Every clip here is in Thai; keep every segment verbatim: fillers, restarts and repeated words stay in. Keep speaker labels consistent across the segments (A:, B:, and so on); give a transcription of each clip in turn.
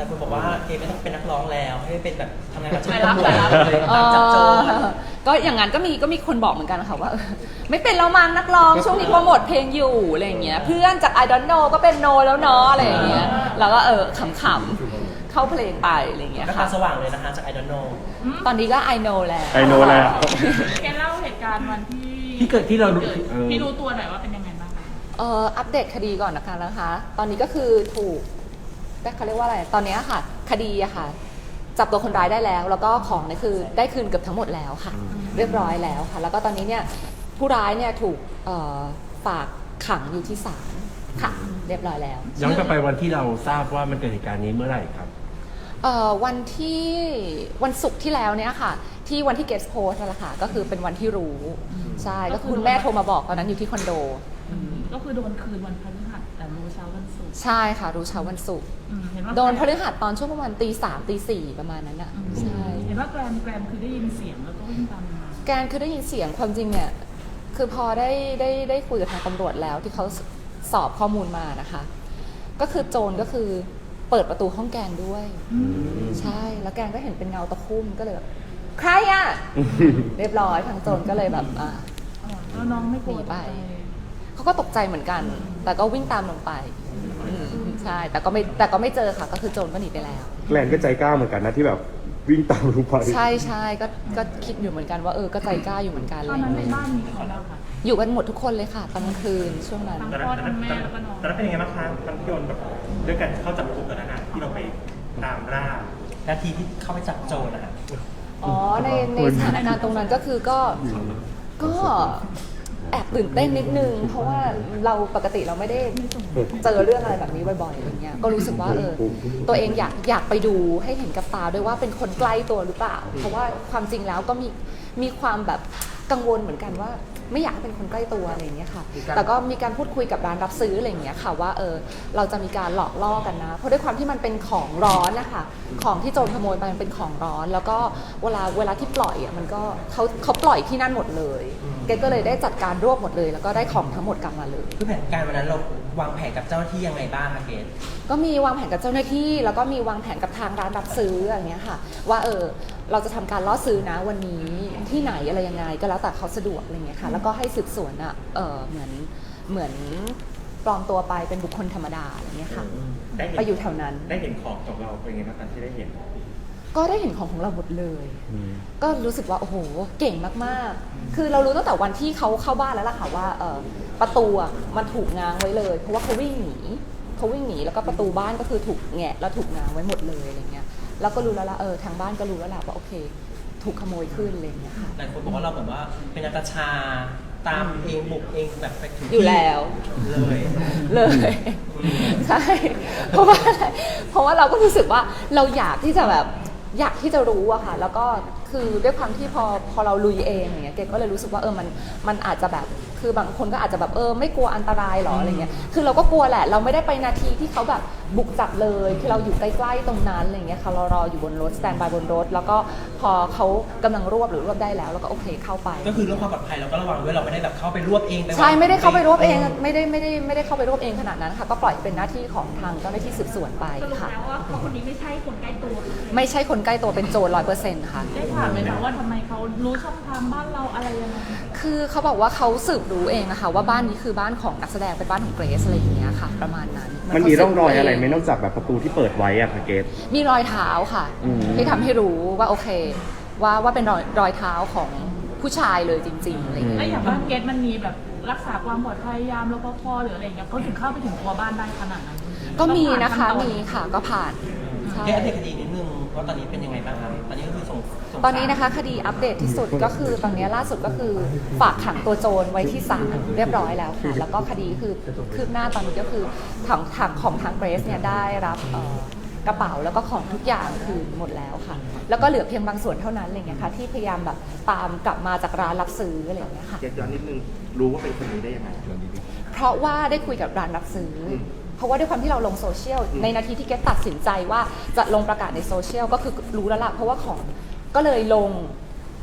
A: แต่คุณบอกว่าเอไม่ต้องเป็นนักร้องแล้วให้เป็นแบบทำงานกับช่าง
B: ไปรับ
A: ตำรว
B: ไป
A: จ
B: รับ
A: เลย
C: เอ
A: ตามจับโจร
C: อก็อย่างนั้นก็มีก็มีคนบอกเหมือนกันค่ะว่าเออไม่เป็นแล้วมั้งนักร้องช่วงนี้โปรโมทเพลงอยู่อะไรอย่างเงี้ยเพื่อนจาก I don't know ก็เป็นโนแล้วเนาะอะไรอย่างเงี้ยแล้วก็เออขำๆเข้าเพลงไปอะไรอย่างเงี้ย
A: ก็ตา
C: ค่ะ
A: สว่างเลยนะคะจาก I don't know
C: ตอนนี้ก็ I know แล้ว
D: I know แล้ว
B: แกเล่าเหตุการณ์วันที่
D: ที่เกิดที่เรารู้
B: กิด
D: เออ
B: ที่รู้ตัวหน่อยว่าเป็นยังไงบ้างคะ
C: เอ่ออัปเดตคดีก่อนนะคะนะคะ ตอนนี้ก็คือถูกเขาเรียกว่าอะไรตอนนี้ค่ะคดีอะค่ะจับตัวคนร้ายได้แล้ว แล้วก็ของเนี่ยคือได้คืนเกือบทั้งหมดแล้วค่ะ เรียบร้อยแล้วค่ะ แล้วก็ตอนนี้เนี่ยผู้ร้ายเนี่ยถูกเอ่อฝากขังอยู่ที่ศาลค่ะ เรียบร้อยแล้ว
D: ย้อนกลับไปวันที่เราทราบว่ามันเกิดเหตุการณ์นี้เมื่อไหร่ครับ
C: เอ่อวันที่วันศุกร์ที่แล้วเนี่ยค่ะ ที่วันที่เกสโพสนั่นแหละค่ะก็คือเป็นวันที่รู้ใช่ก็คือคุณแม่โทรมาบอกตอนนั้นอยู่ที่คอนโด
B: ก็คือโดนคืนวันพฤหัสแต่รู้เช้าวันศุกร์
C: ใช่ค่ะรู้เช้าวันศุกร์
B: อืมเห็นว่า
C: โดนพฤหัสตอนช่วงประมาณตีสามตีสี่ประมาณนั้นอ่ะ
B: อืม
C: ใช่
B: เห็นว่าแกรมแกรมคือได้ยินเสียงแล้วก็วิ่งตามมา
C: แกนคือได้ยินเสียงความจริงเนี่ยคือพอได้ได้ได้คุยกับทางตำรวจแล้วที่เขาสอบข้อมูลมานะคะ ก็คือโจรก็คือเปิดประตูห้องแกนด้วย ใช่แล้วแกนก็เห็นเป็นเงาตะคุ่มก็เลยแบบใครอ่ะ เรียบร้อยทางโจรก็เลยแบบอ่า
B: อ๋อแล้วน้องไม่กลัว
C: หนีไป
B: ตกใจ
C: เขาก็ตกใจเหมือนกัน แต่ก็วิ่งตามลงไปอืมใช่แต่ก็ไม่แต่ก็ไม่เจอค่ะ ก็คือโจรก็หนีไปแล้ว
E: แกลนก็ใจกล้าเหมือนกันนะที่แบบวิ่งตามลงไป
C: ใช่ใช่ก็ก็คิดอยู่เหมือนกันว่าเออก็ใจกล้าอยู่เหมือนกัน
B: ต
C: เล
B: อน
C: ย
B: นั้นในบ้านมีใครบ้างคะ
C: อยู่กันหมดทุกคนเลยค่ะตอนกลางคืนช่วงนั้น
B: ทั้งพ่อทั้งแม่แล้วก็น้อง
F: ตอนนั้นเป็นยังไงบ้างคะตอนที่โดนแบบด้วยกันเข้าจับกุมตอนนั้นอะที่เราไปตามล่า
A: นาทีที่เข้าไปจับโจรนะคะ
C: อ๋อในในสถานการณ์ตรงนั้นก็คือก็ก็แอบตื่นเต้นนิดนึง เพราะว่าเราปกติเราไม่ได้เจอเรื่องอะไรแบบนี้บ่อยๆอะไรเงี้ยก็รู้สึกว่าเออตัวเองอยากอยากไปดูให้เห็นกับตาด้วยว่าเป็นคนใกล้ตัวหรือเปล่า เพราะว่าความจริงแล้วก็มีมีความแบบกังวลเหมือนกันว่า ไม่อยากให้เป็นคนใกล้ตัวอะไรอย่างเงี้ยค่ะ แต่ก็มีการพูดคุยกับร้านรับซื้ออะไรอย่างเงี้ยค่ะว่าเออเราจะมีการหลอกล่อกันนะ เพราะด้วยความที่มันเป็นของร้อนนะคะของที่โจรขโมยไปมันเป็นของร้อน แล้วก็เวลาเวลาที่ปล่อยอ่ะมันก็เขาเขาปล่อยที่นั่นหมดเลยเกดก็เลยได้จัดการรวบหมดเลย แล้วก็ได้ของทั้งหมดกลับมาเลย
A: คือแผนการวันนั้นเราวางแผนกับเจ้าหน้าที่ยังไงบ้างคะเกศ
C: ก็มีวางแผนกับเจ้าหน้าที่ แล้วก็มีวางแผนกับทางร้านรับซื้ออย่างเงี้ยค่ะ ว่าเออเราจะทำการล่อซื้อนะวันนี้ที่ไหนอะไรยังไงก็แล้วแต่เขาสะดวกอะไรเงี้ยค่ะ แล้วก็ให้สืบสวนอ่ะเออเหมือนเหมือนปลอมตัวไปเป็นบุคคลธรรมดาอะไรเงี้ยค่ะ
F: ได้เห็น
C: ไปอยู่แถวนั้น
F: ได้เห็นของของเราเป็นยังไงบ้างตอนที่ได้เห็น
C: ก็ได้เห็นของของเราหมดเลย ก็รู้สึกว่าโอ้โหเก่งมากๆ คือเรารู้ตั้งแต่วันที่เขาเข้าบ้านแล้วล่ะค่ะว่าเออประตูอ่ะมันถูกง้างไว้เลย เพราะว่าเขาวิ่งหนีเขาวิ่งหนีแล้วก็ประตูบ้านก็คือถูกแงะแล้วถูกง้างไว้หมดเลยอะไรเงี้ยแล้วก็รู้แล้วล่ะเออทางบ้านก็รู้แล้วล่ะว่าโอเค ถูกขโมยขึ้นอะไรเงี้ยค่ะ
A: หลายคนบอกว่าเราเหมือนว่าเป็นนักชาตามเองบุกเองแบบไปถึงที่
C: อยู่แล้ว
A: เลย
C: เลยใช่เพราะว่าอะไรเพราะว่าเราก็รู้สึกว่าเราอยากที่จะแบบอยากที่จะรู้อะค่ะแล้วก็คือด้วยความที่พอพอเราลุยเองอย่างเงี้ยเกดก็เลยรู้สึกว่าเออมันมันอาจจะแบบคือบางคนก็อาจจะแบบเออไม่กลัวอันตรายหรออะไรเงี้ยคือเราก็กลัวแหละเราไม่ได้ไปนาทีที่เขาแบบบุกจับเลยคือเราอยู่ใกล้ๆตรงนั้นอะไรเงี้ยค่ะเรารออยู่บนรถสแตนบายบนรถแล้วก็พอเขากำลังรวบหรือรวบได้แล้วเราก็โอเคเข้าไป
A: ก็คือเรื่องความปลอดภัยเราก็ระวังด้วยเราไม่ได้แบบเข้าไปรวบเองป
C: ใช่ไม่ได้เข้าไปรวบเองไม่ได้ไม่ได้ไม่ได้เข้าไปรวบเองขนาดนั้นค่ะก็ปล่อยเป็นหน้าที่ของทางเจ้าหน้าที่สืบสวนไป
B: สรุป
C: ค่ะ
B: แล้วว่าเขาคนนี้ไม่ใช่คนใกล้ตัว
C: ไม่ใช่คนใกล้ตัวเป็นโจรร้อยเปอร์เซ็นต์ค่ะ
B: ได้ถามไหมคะว่าทำไมเขารู้ช่องทางบ้านเราอะไรยังไง
C: คือเขาบอกว่าเขาสืบรู้เองนะคะว่าบ้านนี้คือบ้านของนักแสดงเป็นบ้านของเกรซอะไรอย่างเงี้ยค่ะ ประมาณนั้น
E: มันมีร่องรอยอะไรไหมนอกจากแบบประตูที่เปิดไว้อะค่ะเกต
C: มีรอยเท้าค่ะ
E: อืม
C: ที่ทำให้รู้ว่าโอเค ว่าว่าเป็นรอยรอยเท้าของผู้ชายเลยจริงๆอะไรอย่างเงี้ย
B: ไอ้อย่างบ้านเกตมันมีแบบรักษาความปลอดภัยยามรปภหรืออะไรอย่างเงี้ยเขาถึงเข้าไปถึงตัวบ้านได้ขนาดนั้น
C: ก็มีนะคะ
B: ต้องผ่า
C: มีค่ะก็ผ่านใช่
A: เกศอัปเดตคดีนิดนึงว่าตอนนี้เป็นยังไงบ้างครับตอนนี้ก็คือส่งส่ง
C: ตอนนี้นะคะคดีอัปเดตที่สุดก็คือตอนนี้ล่าสุดก็คือฝากขังตัวโจรไว้ที่ศาลเรียบร้อยแล้วค่ะแล้วก็คดีคือคืบหน้าตอนนี้ก็คือทางทางของทางเกรซเนี่ยได้รับเอ่อกระเป๋าแล้วก็ของทุกอย่างคือหมดแล้วค่ะ แล้วก็เหลือเพียงบางส่วนเท่านั้นอะไรเงี้ยค่ะที่พยายามแบบตามกลับมาจากร้านรับซื้ออะไรอย่างเงี้ยค่ะ
E: เกตย้อนนิดนึงรู้ว่าเป็นคนนี้ได้ยังไง
C: เพราะว่าได้คุยกับร้านรับซื้ออเพราะว่าด้วยความที่เราลงโซเชียลในนาทีที่เกตตัดสินใจว่าจะลงประกาศในโซเชียลก็คือรู้แล้วล่ะเพราะว่าของก็เลยลง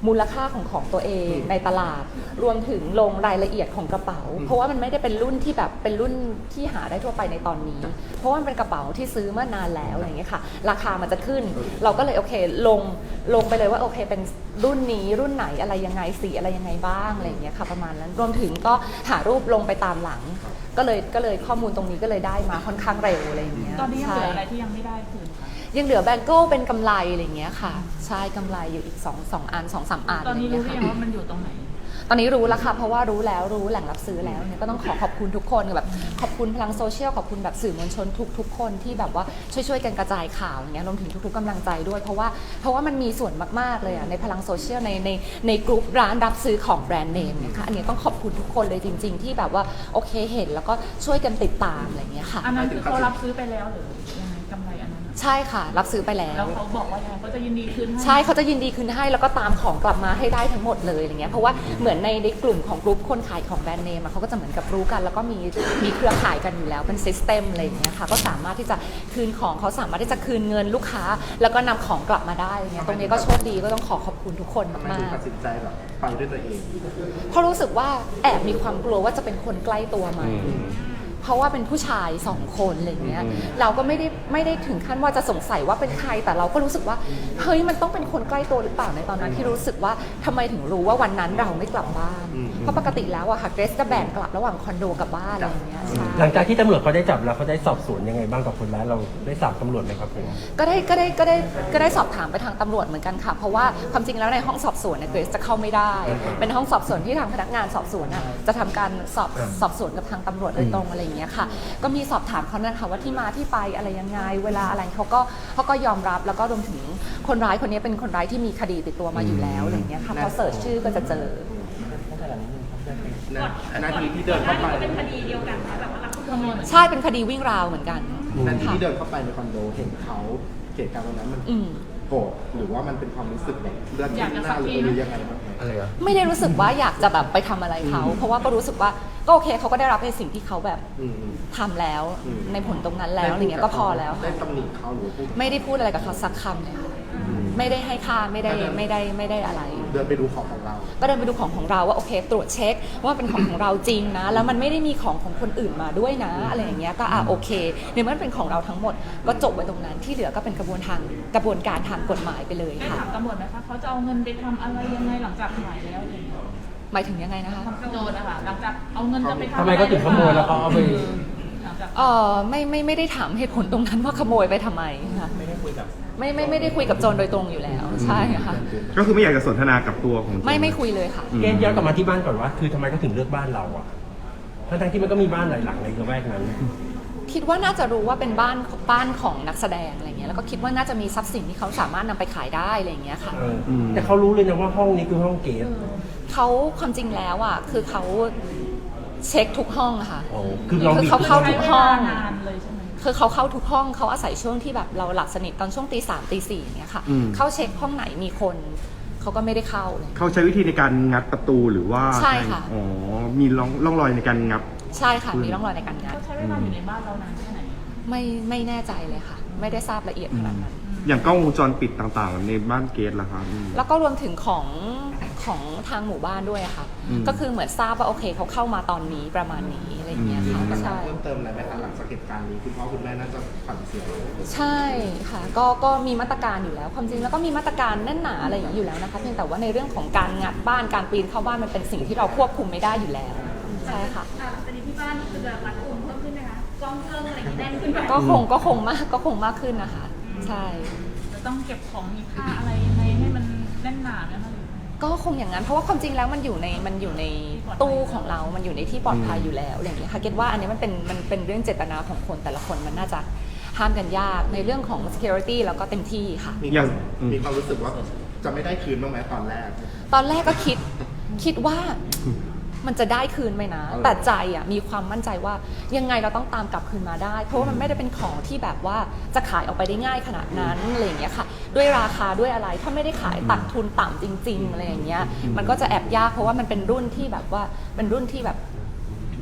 C: มูลค่าของของตัวเองในตลาด รวมถึงลงรายละเอียดของกระเป๋า เพราะว่ามันไม่ได้เป็นรุ่นที่แบบเป็นรุ่นที่หาได้ทั่วไปในตอนนี้ เพราะว่ามันเป็นกระเป๋าที่ซื้อเมื่อนานแล้วอะไรอย่างเงี้ยค่ะราคามันจะขึ้น เราก็เลยโอเคลงลงไปเลยว่าโอเคเป็นรุ่นนี้รุ่นไหนอะไรยังไงสีอะไรยังไงบ้างอะไรอย่างเงี้ยค่ะประมาณนั้นรวมถึงก็หารูปลงไปตามหลัง ก็เลยก็เลยข้อมูลตรงนี้ก็เลยได้มาค่อนข้างเร็วอะไรอย่างเงี้ย
B: ตอนนี้ยังเหลืออะไร
C: ใช่
B: ที่ยังไม่ได้คืนคะ
C: ยังเหลือแบงเกิลเป็นกำไรอะไรอย่างเงี้ยค่ะใช่กำไรอยู่อีกสองสองอันสองสามอัน
B: ตอนนี้
C: ะไย่า
B: รู้
C: ง
B: หรือ
C: เงี้ยค่ะ
B: ยังว่ามันอยู่ตรงไหน
C: ตอนนี้รู้แล้วค่ะเพราะว่ารู้แล้วรู้แหล่งรับซื้อแล้วเนี่ยก็ต้องขอขอบคุณทุกคนแบบขอบคุณพลังโซเชียลขอบคุณแบบสื่อมวลชนทุกทุกคนที่แบบว่าช่วยช่วยกันกระจายข่าวอย่างเงี้ยรวมถึงทุกๆกำลังใจด้วยเพราะว่าเพราะว่ามันมีส่วนมากๆเลยอ่ะในพลังโซเชียลในในในกลุ่มร้านรับซื้อของแบรนด์เนมเนี่ยค่ะอันนี้ต้องขอบคุณทุกคนเลยจริง ๆ ที่แบบว่าโอเคเห็นแล้วก็ช่วยกันติดตามอะไรอย่างเงี้ยค่ะ
B: อันนั้นคือเขารับซื้อไปแล้วหรือยังไงกำไรอันนั้นอะ
C: ใช่ค่ะรับซื้อไปแล้ว
B: แล้วเขาบอกว่ายังไงเขาจะยินดีคืนให้
C: ใช่เขาจะยินดีคืนให้แล้วก็ตามของกลับมาให้ได้ทั้งหมดเลยอย่างเงี้ยเพราะว่าเหมือนในในกลุ่มของกลุ่มคนขายของแบรนด์เนมอะเขาก็จะเหมือนกับรู้กัน แล้วก็มีมีเครือข่ายกันอยู่แล้วเป็นซิสเต็มอะไรอย่างเงี้ยค่ะก็สามารถที่จะคืนของเขาสามารถที่จะคืนเงินลูกค้า แล้วก็นำของกลับมาได้อย่างเงี้ยตรงนี้ก็โชคดีก็ต้องขอขอบคุณทุกคน
E: ทำไม
C: มา
E: ถึง
C: ก
E: ตัดสินใจแบบไปด้วยตัวเอง
C: ๆเพราะรู้สึกว่าแอบมีความกลัวว่าจะเป็นคนใกล้ตัวไหม เพราะว่าเป็นผู้ชายสองคนอะไรเงี้ย
E: อืม
C: เราก็ไม่ได้ไม่ได้ถึงขั้นว่าจะสงสัยว่าเป็นใครแต่เราก็รู้สึกว่าเฮ้ยมันต้องเป็นคนใกล้ตัวหรือเปล่าในตอนนั้นที่รู้สึกว่าทำไมถึงรู้ว่าวันนั้นเราไม่กลับบ้าน เพราะปกติแล้วอะค่ะเกรซจะแบ่งกลับระหว่างคอนโดกับบ้านอะไรอย่างเงี้ยใช่
D: หลังจากที่ตำรวจเขาได้จับแล้วเขาได้สอบสวนยังไงบ้างกับคนร้ายเราได้สอบตำรวจไหมครับผม
C: ก็ได้ก็ได้ก็ได้ก็ได้สอบถามไปทางตำรวจเหมือนกันค่ะ เพราะว่าความจริงแล้วในห้องสอบสวนเนี่ยเกรซจะเข้าไม่ได้ เป็นห้องสอบสวนที่ทางพนักงานสอบสวนอะจะทำการสอบสอบสวนกับทางตำรวจโดยตรงอะไรอย่างเงี้ยค่ะก็มีสอบถามเขานะคะว่าที่มาที่ไปอะไรยังไงเวลาอะไรเขาก็เขาก็ยอมรับแล้วก็รวมถึงคนร้ายคนนี้เป็นคนร้ายที่มีคดีติดตัวมาอยู่แล้วอะไรอย่างเงี้ยค่ะพอเสิร์ชชื่อก็จะเจอ
E: นะนาทีที่เดินเข้าไป
B: เป็นคดีเดียวกันแบบว่ารับขโมยเหมือนกัน
C: ใช่เป็นคดีวิ่งราวเหมือนกัน
E: นาที
C: ค่ะ
E: ที่เดินเข้าไปในคอนโดเห็นเขาเหตุการณ์ตรงนั้นมัน
C: อืม
E: โกรธหรือว่ามันเป็นความรู้สึกแบบเลือด
B: อยากจะ
E: หน้าหรือ
B: สักที
E: หรือยังไงบ้างไหม
D: อะไรอ่ะ
C: ไม่ได้รู้สึกว่าอยากจะแบบไปทำอะไรเขา เพราะว่าก็รู้สึกว่าก็โอเคเขาก็ได้รับในสิ่งที่เขาแบบ
E: อืมอืม
C: ทำแล้ว
E: อืม
C: ในผลตรงนั้นแล้วอะไรเงี้ยก็พอแล้ว
E: ได้
C: ค่ะ
E: ตำหนิเขาหรือพูด
C: ไม่ได้พูดอะไรกับเขาสักคำเลยค่ะไม่ได้ให้ค่าไม่ได้ไม่ได้ไม่ได้อะไร
E: เดินไปดูของของเรา
C: ก็เดินไปดูของของเราว่าโอเค ตรวจเช็คว่าเป็นของของเราจริงนะ แล้วมันไม่ได้มีของของคนอื่นมาด้วยนะอะไรอย่างเงี้ยก็อ่ะโอเคในเมื่อมันเป็นของเราทั้งหมด ก็จบไว้ตรงนั้นที่เหลือก็เป็นกระบวนทางกระบวนการทางกฎหมายไปเลย
B: ได้
C: ค่ะ
B: ถามตำรวจไหมคะเขาจะเอาเงินไปทำอะไรยังไงหลังจากหายแล้วอะไรอย่างเงี้ย
C: หมายถึงยังไงนะคะ
B: โจรนะคะหลังจากเอาเงินจะไปทำ
D: ทำไมเขาถึงขโมยแล้วเขาเอาไป
B: หลังจาก
C: เออไม่ไม่ไม่ได้ถามเหตุผลตรงนั้นว่าขโมยไปทำไมค่ะ
A: ไม่ได้คุยกับ
C: ไม่ไม่ไม่ได้คุยกับโจรโดยตรงอยู่แล้วใช่ค่ะ
E: ก็คือไม่อยากจะสนทนากับตัวของ
C: ไม่ไม่คุยเลยค่ะ
D: เกณฑ์ย้อนกลับมาที่บ้านก่อนว่า คือทำไมเขาถึงเลือกบ้านเราอ่ะทั้งๆที่มันก็มีบ้านหลายหลังในละแวกนั้น
C: คิดว่าน่าจะรู้ว่าเป็นบ้านบ้านของนักแสดงอะไรเงี้ยแล้วก็คิดว่าน่าจะมีทรัพย์สินที่เขาสามารถนำไปขายได้อะไรเงี้ยค่ะ
D: เออแต่เขารู้เลยนะว่าห้องนี้คือห้องเกส
C: เขาความจริงแล้วอ่ะคือเขาเช็คทุกห้องอะค่ะ
D: โอ้คือเรา
C: คือ
D: มี
C: เขาเข้า
B: ใช้
C: ทุก
B: เว
C: ห้อ
B: ลาง นานเลยใช่ไหม
C: คือเขาเข้าทุกห้องเขาอาศัยช่วงที่แบบเราหลับสนิทตอนช่วงตีสามตีสี่อย่างเงี้ยค่ะ
E: อืม
C: เข้าเช็คห้องไหนมีคนเขาก็ไม่ได้เข้าเลย
E: เขาใช้วิธีในการงัดประตูหรือว่า
C: ใช่ค่ะ
E: อ๋อมีร่องร่องรอยในการงับ
C: ใช่ค่ะมีร่องรอยในการงัด
B: เขาใช้เวลาอยู่ในบ้านเรานานแค่ไหน
C: ไม่ไม่แน่ใจเลยค่ะ ไม่ได้ทราบละเอียดขนาดนั้น
E: อย่างกล้องวงจรปิดต่างๆ ในบ้านเกสล่ะครับอืม
C: แล้วก็รวมถึงของของทางหมู่บ้านด้วยอะค่ะ
E: อืม
C: ก็คือเหมือนทราบว่าโอเคเขาเข้ามาตอนนี้ประมาณนี้อะไรอย่างเงี้ยค่ะ
E: อืม
C: ใช่
E: เพิ่มเติมอะไรไหมคะหลังจากเหตุการณ์นี้คุณพ่อคุณแม่น่าจะขวัญเสีย
C: ใช่ค่ะก็ก็มีมาตรการอยู่แล้ว ความจริงแล้วก็มีมาตรการแน่นหนาอะไรอย่างนี้อยู่แล้วนะคะเพียงแต่ว่าในเรื่องของการงัดบ้านการปีนเข้าบ้านมันเป็นสิ่งที่เราควบคุมไม่ได้อยู่แล้วใช่ค่ะ
G: อ่าตอนนี้ที่บ้านคือแบบรัดกุมเพิ่มขึ้นไหมคะกล้องเครื่องอะไรอย่างนี้แน่นขึ้นไหม
C: ก็คงก็คงมากก็คงมากขึ้นนะคะ ใช่
B: จะต้องเก็บของมีค่าอะไรยังไงให้มันแน่นหนาไหมคะหรือ
C: ก็คงอย่างนั้นเพราะว่าความจริงแล้วมันอยู่ในมันอยู่ในตู้ของเรา มันอยู่ในที่ปลอดภัยอยู่แล้วอะไรอย่างเงี้ยค่ะเก็ตว่าอันนี้มันเป็นมันเป็นเรื่องเจตนาของคนแต่ละคนมันน่าจะห้ามกันยากในเรื่องของ security แล้วก็เต็มที่ค่ะ
E: มีอย่างมีความรู้สึกว่าจะไม่ได้คืนบ้างไหมตอนแรก
C: ตอนแรกก็คิดคิดว่ามันจะได้คืนไหมนะ
E: เออ
C: แต่ใจอ่ะมีความมั่นใจว่ายังไงเราต้องตามกลับคืนมาได้ เพราะว่ามันไม่ได้เป็นของที่แบบว่าจะขายออกไปได้ง่ายขนาดนั้นอะไรอย่างเงี้ยค่ะ ด้วยราคาด้วยอะไรถ้าไม่ได้ขายตัดทุนต่ำจริง ๆอะไรอย่างเงี้ยมันก็จะแอบยากเพราะว่ามันเป็นรุ่นที่แบบว่าเป็นรุ่นที่แบบ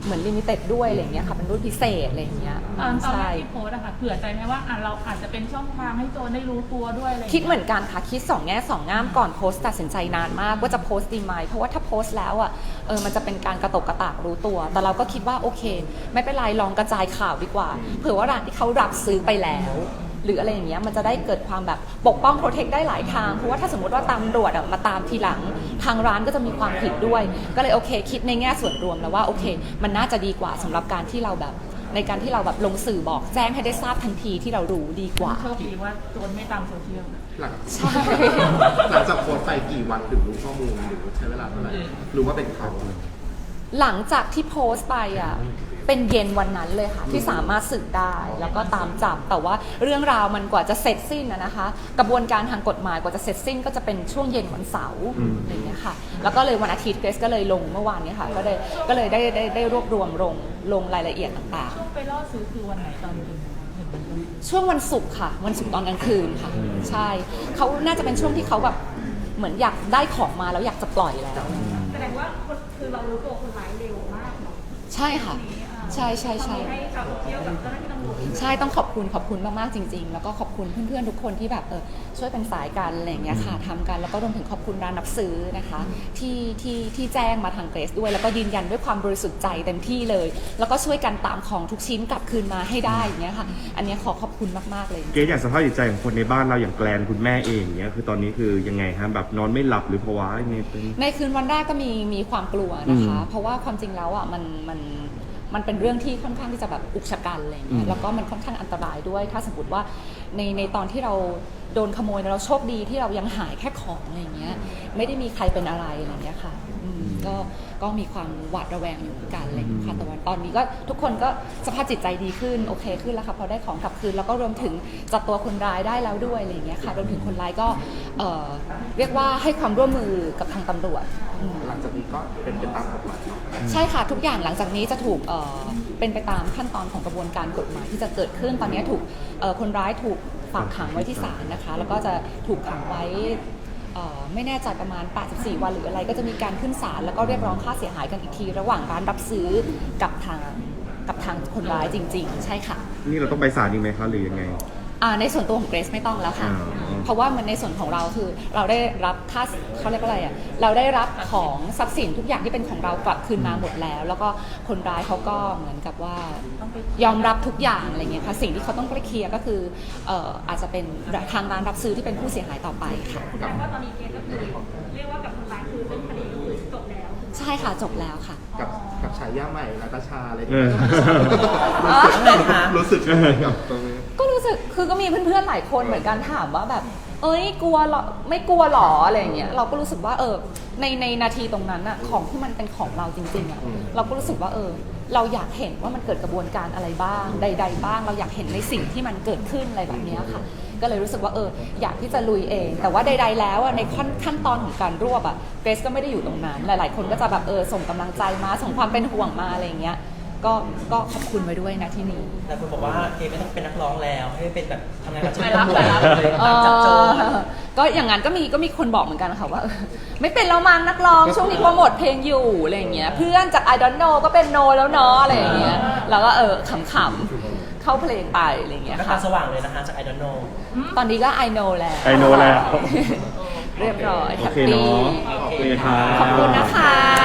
C: เหมือนลิมิเต็ดด้วยอะไรอย่างเงี้ยค่ะเป็นรุ่นพิเศษอะไรอย่างเงี้ย
B: ตอนตอนแร
C: ใช่
B: กที่โพสต์อะค่ะเผื่อใจไหมว่าอ่ะเราอาจจะเป็นช่องทางให้โจรได้รู้ตัวด้วยอะไรอย่าง
C: คิด
B: เงี้ย
C: เหมือนกันค่ะคิดสองแง่สองงามก่อนโพสต์ตัดสินใจนานมากว่าจะโพสต์ดีไหมเพราะว่าถ้าโพสต์แล้วอ่ะเออมันจะเป็นการกระตกกระตากรู้ตัว แต่เราก็คิดว่าโอเค ไม่เป็นไรลองกระจายข่าวดีกว่าเผื่อว่าร้านที่เขารับซื้อไปแล้ว หรืออะไรอย่างเงี้ยมันจะได้เกิดความแบบปกป้องโปรเทคได้หลายทางเพราะว่าถ้าสมมติว่าตำรวจอะมาตามทีหลังทางร้านก็จะมีความผิดด้วย ก็เลยโอเค คิดในแง่ส่วนรวมแล้วว่าโอเค มันน่าจะดีกว่าสำหรับการที่เราแบบในการที่เราแบบลงสื่อบอกแจ้งให้ได้ทราบทันทีที่เรารู้ดีกว่า
B: โชคดีว่าโจรไม่ตามโซเชียล
E: หลัง
C: ใช่
E: หลังจากโพสต์ไปกี่วันถึงรู้ข้อมูลหรือใช้เวลาเท่าไหร่รู้ว่าเป็นเขา
C: หลังจากที่โพสต์ไปอ่ะเป็นเย็นวันนั้นเลยค่ะที่สามารถสืบได้แล้วก็ตามจับแต่ว่าเรื่องราวมันกว่าจะเสร็จสิ้นนะนะคะ กระบวนการทางกฎหมายกว่าจะเสร็จสิ้นก็จะเป็นช่วงเย็นวันเสาร์อะไรอย่างเงี้ยค่ะแล้วก็เลยวันอาทิตย์เกรซก็เลยลงเมื่อวานเนี้ค่ะก็เลยก็เลยได้ได้ได้รวบรวมลงลงรายละเอียดต่าง
B: ช่วงไปล่อซื้อคือวันไหนตอนคืนเห็นมัน
C: ๆ ช่วงวันศุกร์ค่ะวันศุกร์ตอนกลางคืนค่ะใช่เขาน่าจะเป็นช่วงที่เขาแบบเหมือนอยากได้ของมาแล้วอยากจะปล่อยแล้ว
G: แสดงว่าคนคือเรารู้ตัวคนร้ายเร็วมากเนาะ
C: ใช่ค่ะใช่ใช่ใช่
G: ให้ชาวโซเชียลกับเจ้าหน้าที่ตำรวจ
C: ใช่ต้องขอบคุณขอบคุณมากๆจริงๆ แล้วก็ขอบคุณเพื่อนๆทุกคนที่แบบเออช่วยเป็นสายกันอะไรอย่างเงี้ยค่ะทำกันแล้วก็รวมถึงขอบคุณร้านรับซื้อนะคะที่ที่ที่แจ้งมาทางเกรซด้วยแล้วก็ยืนยันด้วยความบริสุทธิ์ใจเต็มที่เลย แล้วก็ช่วยกันตามของทุกชิ้นกลับคืนมาให้ได้อย่างเงี้ยค่ะอันเนี้ยขอขอบคุณมากๆเลย
H: เกรซอย่างสภาพจิตใจของคนในบ้านเราอย่างแกลนคุณแม่เองเนี้ยคือตอนนี้คือยังไงฮะแบบนอนไม่หลับหรือภาวะยังไงเป็น
C: ในคืนวันแรกก็มีมีความกลัวนะคะ
H: อืม
C: เพราะว่าความจริงแล้วอ่ะมันมันมันเป็นเรื่องที่ค่อนข้างที่จะแบบอุกชะกันอะไรอย่างเงี้
H: อื
C: ย
H: ม
C: แล้วก็มันค่อนข้างอันตรายด้วย ถ้าสมมติว่าในในตอนที่เราโดนขโมยเราโชคดีที่เรายังหายแค่ของอะไรอย่างเงี้ยไม่ได้มีใครเป็นอะไรอะไรอย่างเงี้ยค่ะอืมก็ก็มีความหวาดระแวงอยู่เหมือนกันอะไรอย่างเงี้ยค่ะแต่ว่าตอนนี้ก็ทุกคนก็สภาพจิตใจดีขึ้นโอเคขึ้นแล้วค่ะพอได้ของกลับคืนแล้วก็รวมถึงจับตัวคนร้ายได้แล้วด้วยอะไรอย่างเงี้ยค่ะรวมถึงคนร้ายก็เอ่อเรียกว่าให้ความร่วมมือกับทางตำรวจอืม
E: หลังจากนี้ก็เป็นไปตามกฎหมายเนาะ
C: ใช่ค่ะทุกอย่างหลังจากนี้จะถูกเอ่อเป็นไปตามขั้นตอนของกระบวนการกฎหมายที่จะเกิดขึ้นตอนนี้ถูกเอ่อคนร้ายถูกฝากขังไว้ที่ศาลนะคะแล้วก็จะถูกขังไว้เอ่อไม่แน่ใจประมาณแปดสิบสี่วันหรืออะไรก็จะมีการขึ้นศาลแล้วก็เรียกร้องค่าเสียหายกันอีกที ระหว่างร้านรับซื้อกับทางกับทางคนร้ายจริง ๆ ใช่ค่ะ
H: นี่เราต้องไปศาลอีกไหมคะหรือยังไง
C: อ่าในส่วนตัวของเกรซไม่ต้องแล้วค่ะ
H: อ่า
C: เพราะว่ามันในส่วนของเราคือเราได้รับค่าเขาเรียกว่าอะไรอ่ะเราได้รับของทรัพย์สินทุกอย่างที่เป็นของเรากลับคืนมาหมดแล้ว แล้วก็คนร้ายเขาก็เหมือนกับว่ายอมรับทุกอย่างอะไรเงี้ยค่ะสิ่งที่เขาต้องไปเคลียร์ก็คือเอ่ออาจจะเป็นทางร้านรับซื้อที่เป็นผู้เสียหายต่อไปค่ะ
G: แสดงว่าตอนนี้เกณฑ์ก็คือเรียกว่ากับคนร้ายคือเรื่องคดีก็คือจบแล้ว
C: ใช่ค่ะจบแล้วค่ะ
E: กับกับฉายาใหม่นาตาชาอะไรอย่าง
H: เอ
E: เงี้
H: อ
E: ยรู้สึกยังไงกับตรงนี้
C: ก็รู้สึกคือก็มีเพื่อนๆหลายคนเหมือนกันถามว่าแบบ เอ้ยกลัวเหรอไม่กลัวหรออะไรอย่างเงี้ยเราก็รู้สึกว่าเออในในนาทีตรงนั้นอะของที่มันเป็นของเราจริงๆอะ
E: อืม
C: เราก็รู้สึกว่าเออเราอยากเห็นว่ามันเกิดกระบวนการอะไรบ้าง ใด ๆ บ้าง เราอยากเห็นในสิ่งที่มันเกิดขึ้นอะไรแบบเนี้ยค่ะ ก็เลยรู้สึกว่าเอออยากที่จะลุยเอง แต่ว่าใด ๆ แล้วอะในขั้นขั้นตอนของการรวบอะเกรซก็ไม่ได้อยู่ตรงนั้นหลายๆคนก็จะแบบเออส่งกำลังใจมาส่งความเป็นห่วงมาอะไรอย่างเงี้ยก็ก็ขอบคุณไว้ด้วยนะที่นี้
A: แต่คุณบอกว่าเอไม่ต้องเป็นนักร้องแล้วให้เป็นแบบทำงานกับ
B: ไป
A: ช่าง
B: รับ
A: ตำรวจ
B: ไปรับ
A: เลยตามจับโจร
C: เออก็อย่างนั้นก็มีก็มีคนบอกเหมือนกันค่ะว่าเออไม่เป็นแล้วมั้งนักร้องช่วงนี้โปรโมทเพลงอยู่อะไรอย่างเงี้ยเพื่อนจาก I don't know ก็เป็นโนแล้วเนาะอะไรอย่างเงี้ยแล้วก็เออขำๆเข้าเพลงไปอะไรอย่างเงี้ย
A: ก็ตา
C: ค่ะ
A: สว่างเลยนะคะจาก I don't know
C: ตอนนี้ก็ I know แล้ว
H: I know แล้ว
C: เรียบร้อย
H: โอ
C: แฮป
H: เค
C: ปี้
H: เนาะโอเคครับ
C: ขอบคุณนะคะ